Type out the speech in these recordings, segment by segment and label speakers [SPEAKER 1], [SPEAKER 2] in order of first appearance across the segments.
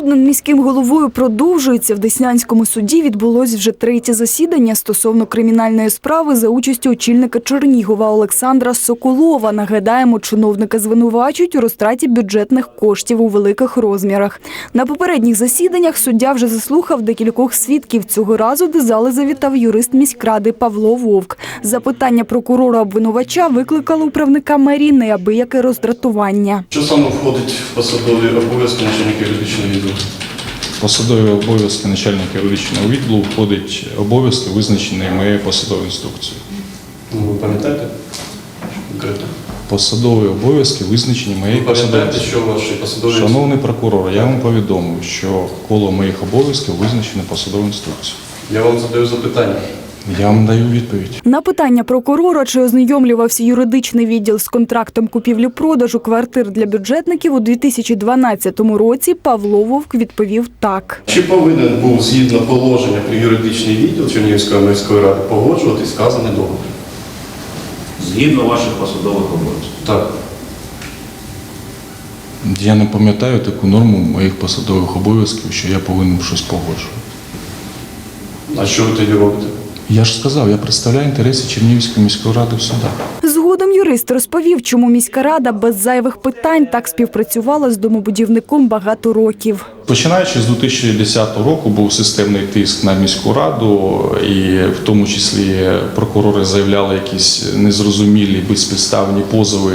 [SPEAKER 1] Суд над міським головою продовжується. В Деснянському суді відбулось вже третє засідання стосовно кримінальної справи за участю очільника Чернігова Олександра Соколова. Нагадаємо, чиновника звинувачують у розтраті бюджетних коштів у великих розмірах. На попередніх засіданнях суддя вже заслухав декількох свідків. Цього разу до зали завітав юрист міськради Павло Вовк. Запитання прокурора-обвинувача викликало у правника мерії неабияке роздратування.
[SPEAKER 2] Що саме входить в посадові обов'язки начальника юридичного відділу?
[SPEAKER 3] Посадові обов'язки начальника юридичного відділу входить обов'язки, визначені моєю посадовою інструкцією.
[SPEAKER 2] Ви пам'ятаєте? Конкретно.
[SPEAKER 3] Посадові обов'язки визначені моєю посадовою інструкцією.
[SPEAKER 2] Що ваші посадові...
[SPEAKER 3] Шановний прокурор, я вам повідомив, що коло моїх обов'язків визначено посадовою інструкцією.
[SPEAKER 2] Я вам задаю запитання.
[SPEAKER 3] Я вам даю відповідь.
[SPEAKER 1] На питання прокурора, чи ознайомлювався юридичний відділ з контрактом купівлі-продажу квартир для бюджетників у 2012 році, Павло Вовк відповів так.
[SPEAKER 2] Чи повинен був, згідно положення про юридичний відділ Чернігівської міської ради, погоджувати сказаний договір?
[SPEAKER 4] Згідно ваших посадових обов'язків.
[SPEAKER 2] Так.
[SPEAKER 3] Я не пам'ятаю таку норму моїх посадових обов'язків, що я повинен щось погоджувати.
[SPEAKER 2] А що ви тоді робите?
[SPEAKER 3] Я ж сказав, я представляю інтереси Чернігівської міської ради в судах.
[SPEAKER 1] Згодом юрист розповів, чому міська рада без зайвих питань так співпрацювала з домобудівником багато років.
[SPEAKER 3] Починаючи з 2010 року був системний тиск на міську раду, і в тому числі прокурори заявляли якісь незрозумілі, безпідставні позови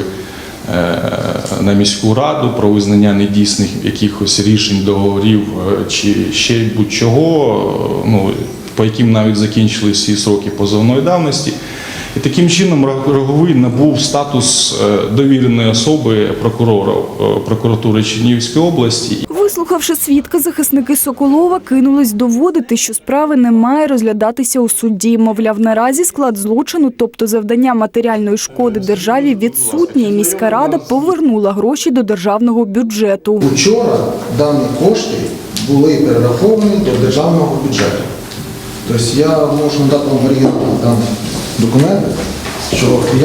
[SPEAKER 3] на міську раду про визнання недійсних якихось рішень, договорів чи ще будь-чого, по яким навіть закінчили всі сроки позовної давності. І таким чином Роговий набув статус довіреної особи прокуратури Чернігівської області.
[SPEAKER 1] Вислухавши свідка, захисники Соколова кинулись доводити, що справи не має розглядатися у суді. Мовляв, наразі склад злочину, тобто завдання матеріальної шкоди державі, відсутнє, і міська рада повернула гроші до державного бюджету.
[SPEAKER 5] Вчора дані кошти були перераховані до державного бюджету. Тобто я можу надати вам оригінальні документи, що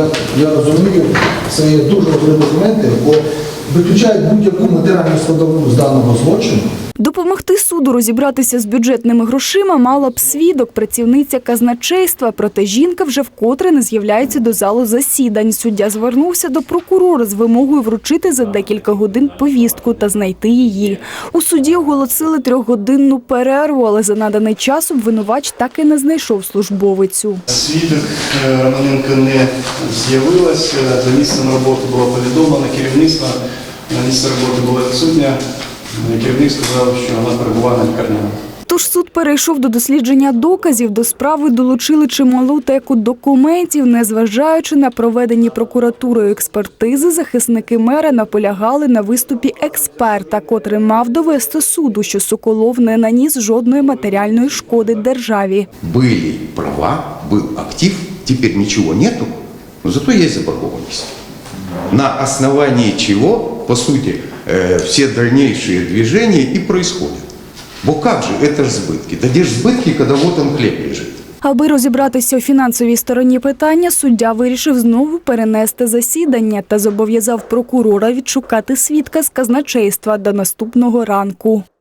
[SPEAKER 5] я розумію, це є дуже важливі документи, бо виключають будь-яку матеріальну складову з даного злочину.
[SPEAKER 1] Допомогти суду розібратися з бюджетними грошима мала б свідок, працівниця казначейства. Проте жінка вже вкотре не з'являється до залу засідань. Суддя звернувся до прокурора з вимогою вручити за декілька годин повістку та знайти її. У суді оголосили 3-годинну перерву, але за наданий час обвинувач так і не знайшов службовицю.
[SPEAKER 2] Свідок Романенко не з'явилася, за місцем роботи було повідомлено, керівництво на місці роботи було відсутнє. Керівник сказав, що вона перебуває на лікарняному.
[SPEAKER 1] Тож суд перейшов до дослідження доказів. До справи долучили чималу теку документів. Незважаючи на проведені прокуратурою експертизи, захисники мера наполягали на виступі експерта, котрий мав довести суду, що Соколов не наніс жодної матеріальної шкоди державі.
[SPEAKER 6] Були права, був актив, тепер нічого нету, але зато є заборгованість. На основании чего, по сути, все дальнейшие движения и происходят. Бо как же, это же сбытки. Да где же сбытки, когда вот он хлеб лежит?
[SPEAKER 1] Аби розібратися у фінансовій стороні питання, суддя вирішив знову перенести засідання та зобов'язав прокурора відшукати свідка з казначейства до наступного ранку.